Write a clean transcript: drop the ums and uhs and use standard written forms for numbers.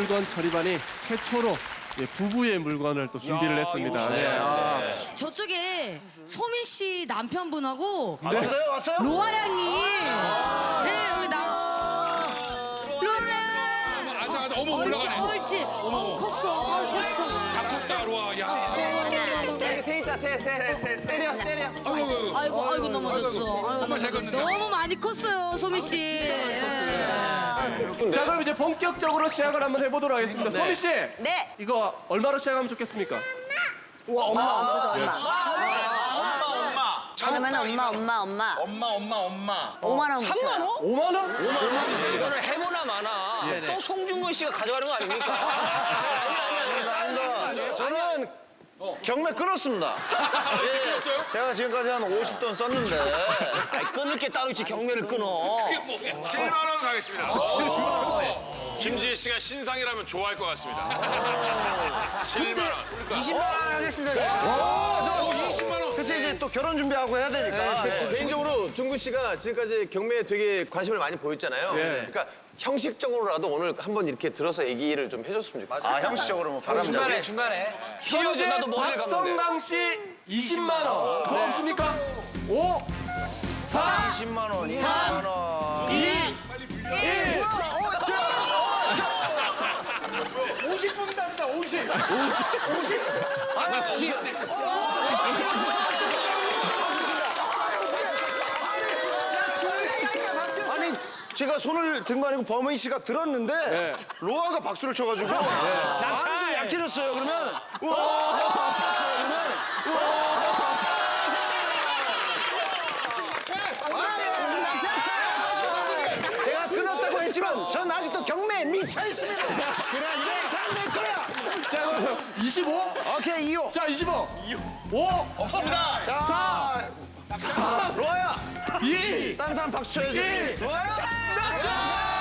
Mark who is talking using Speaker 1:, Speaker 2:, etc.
Speaker 1: 물건 처리반이 최초로 부부의 물건을 또 준비를 했습니다. 네.
Speaker 2: 저쪽에 소민 씨 남편분하고
Speaker 3: 왔어요? 왔어요?
Speaker 2: 로아 양이 네 여기 나 로아
Speaker 4: 앉아. 어머 올라가네.
Speaker 2: 옳지 컸어 컸어
Speaker 4: 다 컸다 로아. 야.
Speaker 3: 새 있다, 새. 때려.
Speaker 2: 아이고 넘어졌어
Speaker 4: 엄마 잘 컸는데.
Speaker 2: 너무 많이 컸어요 소민 씨
Speaker 1: 자, 그럼 이제 본격적으로 시작을 한번 해보도록 하겠습니다. 소미 씨,
Speaker 5: 네.
Speaker 1: 이거 얼마로 시작하면 좋겠습니까?
Speaker 5: 엄마. 그러면 엄마.
Speaker 6: 엄마.
Speaker 5: 5만 원.
Speaker 6: 3만 원?
Speaker 1: 5만 원?
Speaker 6: 이거는 해보나 마나. 또 송중근 씨가 가져가는 거 아닙니까?
Speaker 3: 아닙니다. 저는 경매 끊었습니다. 제가 지금까지 한 50돈 썼는데.
Speaker 6: 아이, 끊을 게 따로 있지 경매를 끊어.
Speaker 4: 7만 원 가겠습니다.
Speaker 7: 김지혜 씨가 신상이라면 좋아할 것 같습니다. 7만 원.
Speaker 3: 20만 원 하겠습니다.
Speaker 4: 20만 원.
Speaker 3: 그치, 이제 또 결혼 준비하고 해야 되니까.
Speaker 8: 개인적으로 중근 씨가 지금까지 경매에 되게 관심을 많이 보였잖아요. 그러니까 형식적으로라도 오늘 한번 이렇게 들어서 얘기를 좀 해줬으면 좋겠어요.
Speaker 3: 아, 형식적으로 뭐 바람잡이.
Speaker 1: 현재
Speaker 6: 나도 머리를
Speaker 1: 박성강 씨 20만 원. 더 없습니까? 5, 4,
Speaker 3: 20만 원, 20만 원.
Speaker 1: 2, 1.
Speaker 4: 50분 답니다. 50.
Speaker 3: 아니, 제가 손을 든 거 아니고 범인 씨가 들었는데 로아가 박수를 쳐가지고 마음이 좀 약해졌어요. 그러면 제가 끊었다고 했지만 전 아직도 경매에 미쳐 있습니다. 그래, 다내 거야.
Speaker 1: 자, 그럼 25?
Speaker 3: 오케이, 2호.
Speaker 1: 자, 25. 5,
Speaker 6: 없습니다.
Speaker 3: 자,
Speaker 1: 4,
Speaker 3: 로아야,
Speaker 1: 2,
Speaker 3: 딴 사람 박수 쳐야지.
Speaker 1: 1.
Speaker 3: 로아야.
Speaker 1: 낙찰!